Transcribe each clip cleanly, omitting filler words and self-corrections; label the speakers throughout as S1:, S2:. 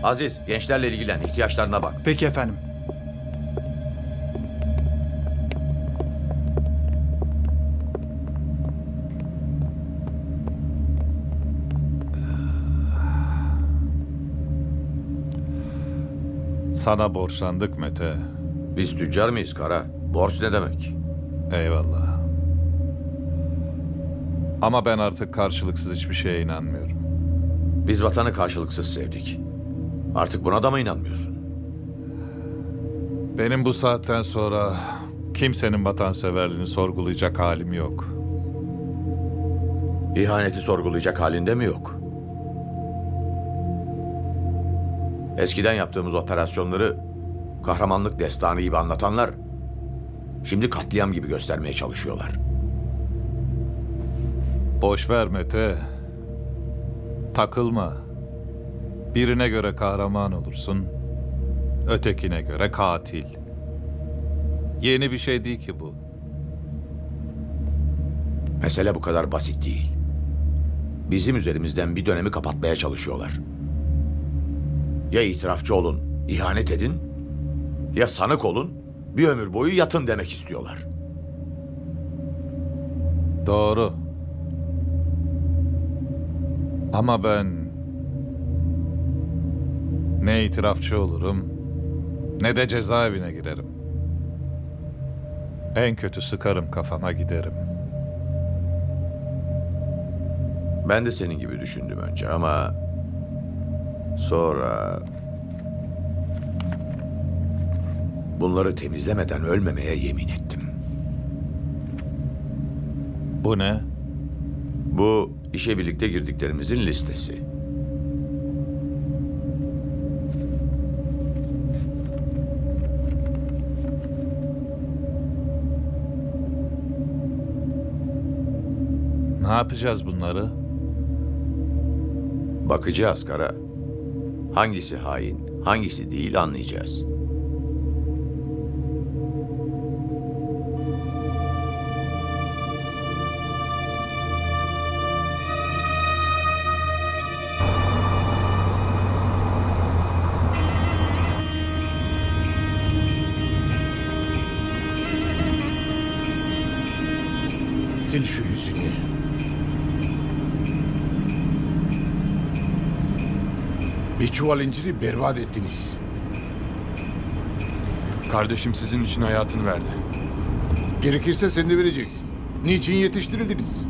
S1: Aziz, gençlerle ilgilen, ihtiyaçlarına bak.
S2: Peki efendim.
S3: Sana borçlandık Mete.
S1: Biz tüccar mıyız Kara? Borç ne demek?
S3: Eyvallah. Ama ben artık karşılıksız hiçbir şeye inanmıyorum.
S1: Biz vatanı karşılıksız sevdik. Artık buna da mı inanmıyorsun?
S3: Benim bu saatten sonra kimsenin vatanseverliğini sorgulayacak halim yok.
S1: İhaneti sorgulayacak halinde mi yok? Eskiden yaptığımız operasyonları kahramanlık destanı gibi anlatanlar şimdi katliam gibi göstermeye çalışıyorlar.
S3: Boş ver Mete. Takılma. Birine göre kahraman olursun, ötekine göre katil. Yeni bir şey değil ki bu.
S1: Mesele bu kadar basit değil. Bizim üzerimizden bir dönemi kapatmaya çalışıyorlar. Ya itirafçı olun, ihanet edin, ya sanık olun, bir ömür boyu yatın demek istiyorlar.
S3: Doğru. Ama ben ne itirafçı olurum, ne de cezaevine girerim. En kötü sıkarım kafama giderim.
S1: Ben de senin gibi düşündüm önce ama sonra bunları temizlemeden ölmemeye yemin ettim.
S3: Bu ne?
S1: Bu işe birlikte girdiklerimizin listesi.
S3: Ne yapacağız bunları?
S1: Bakacağız Kara. Hangisi hain, hangisi değil anlayacağız.
S4: Sil şu yüzünü. Bir çuval inciri berbat ettiniz.
S5: Kardeşim sizin için hayatını verdi.
S4: Gerekirse sen de vereceksin. Niçin yetiştirildiniz?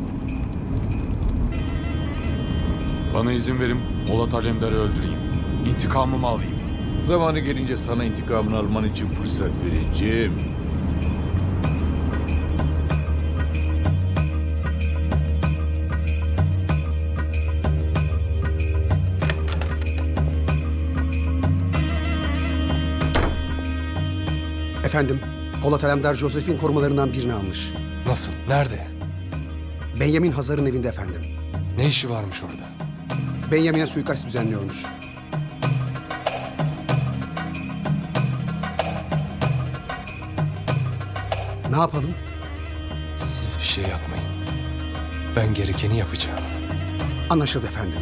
S5: Bana izin verin, Polat Alemdar'ı öldüreyim. İntikamımı alayım.
S4: Zamanı gelince sana intikamını alman için fırsat vereceğim.
S6: Efendim, Polat Alemdar Joseph'in korumalarından birini almış.
S7: Nasıl? Nerede?
S6: Benjamin Hazar'ın evinde efendim.
S7: Ne işi varmış orada?
S6: Benjamin'e suikast düzenliyormuş. Ne yapalım?
S7: Siz bir şey yapmayın. Ben gerekeni yapacağım.
S6: Anlaşıldı efendim.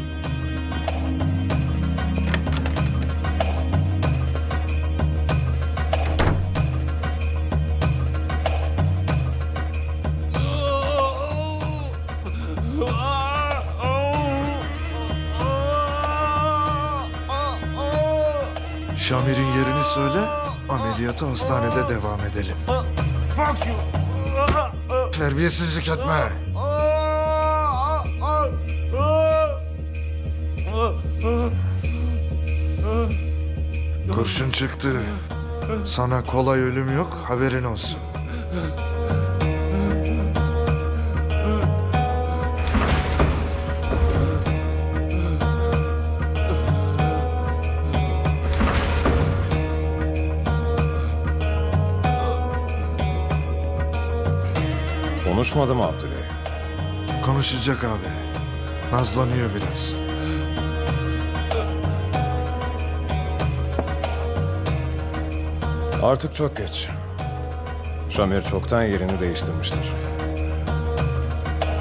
S8: Şamir'in yerini söyle, ameliyata hastanede devam edelim. Terbiyesizlik etme. Kurşun çıktı. Sana kolay ölüm yok, haberin olsun.
S5: Konuşmadı mı Abdüley?
S8: Konuşacak abi. Nazlanıyor biraz.
S5: Artık çok geç. Şamir çoktan yerini değiştirmiştir.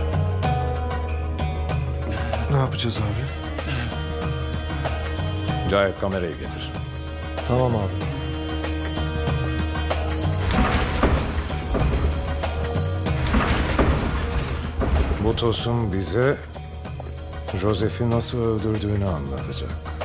S8: Ne yapacağız abi?
S2: Cahit kamerayı getir.
S7: Tamam abi.
S2: Bu tosun bize Joseph'i nasıl öldürdüğünü anlatacak.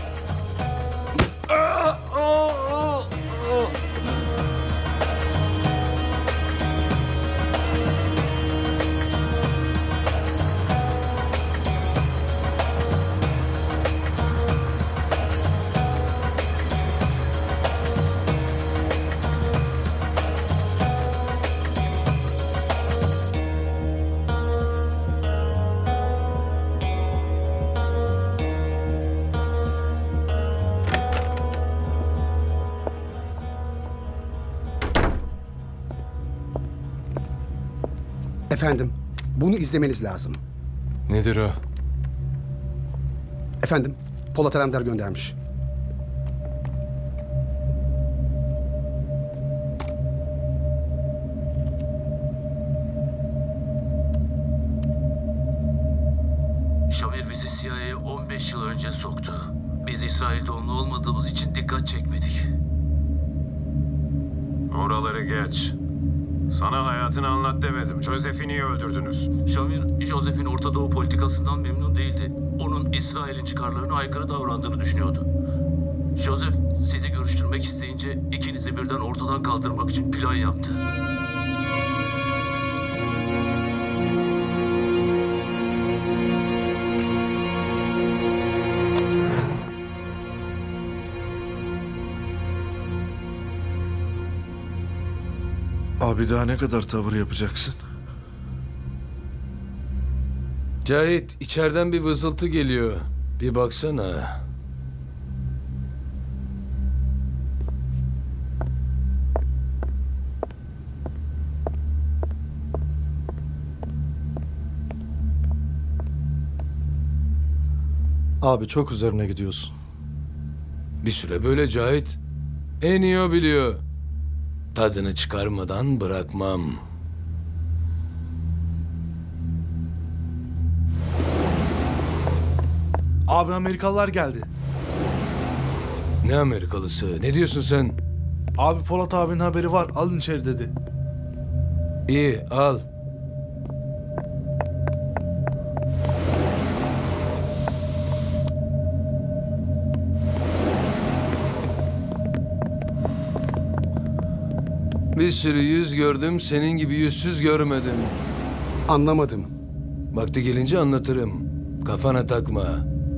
S6: Efendim, bunu izlemeniz lazım.
S7: Nedir o?
S6: Efendim, Polat Alemdar göndermiş.
S9: Şamir bizi CIA'ye 15 yıl önce soktu. Biz İsrail doğumlu olmadığımız için dikkat çekmedik.
S2: Oraları geç. Sana hayatını anlat demedim. Joseph'i niye öldürdünüz?
S9: Şamir, Joseph'in Orta Doğu politikasından memnun değildi. Onun İsrail'in çıkarlarına aykırı davrandığını düşünüyordu. Joseph sizi görüştürmek isteyince ikinizi birden ortadan kaldırmak için plan yaptı.
S8: Abi daha ne kadar tavır yapacaksın?
S7: Cahit, içeriden bir vızıltı geliyor. Bir baksana.
S10: Abi çok üzerine gidiyorsun.
S7: Bir süre böyle Cahit. En iyi o biliyor. Tadını çıkarmadan bırakmam.
S10: Abi Amerikalılar geldi.
S7: Ne Amerikalısı? Ne diyorsun sen?
S10: Abi Polat abinin haberi var. Alın içeri dedi.
S7: İyi, al. Bir sürü yüz gördüm, senin gibi yüzsüz görmedim.
S6: Anlamadım.
S7: Vakti gelince anlatırım. Kafana takma.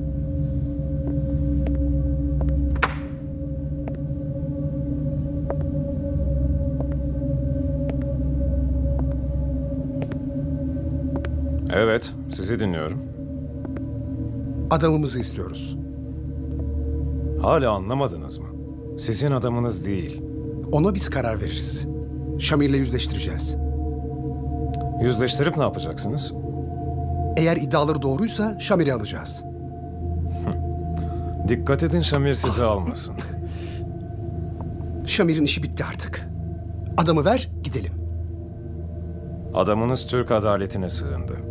S2: Evet, sizi dinliyorum.
S6: Adamımızı istiyoruz.
S2: Hala anlamadınız mı? Sizin adamınız değil.
S6: Ona biz karar veririz. Şamir'le yüzleştireceğiz.
S2: Yüzleştirip ne yapacaksınız?
S6: Eğer iddiaları doğruysa Şamir'i alacağız.
S2: Dikkat edin Şamir sizi almasın.
S6: Şamir'in işi bitti artık. Adamı ver, gidelim.
S2: Adamınız Türk adaletine sığındı.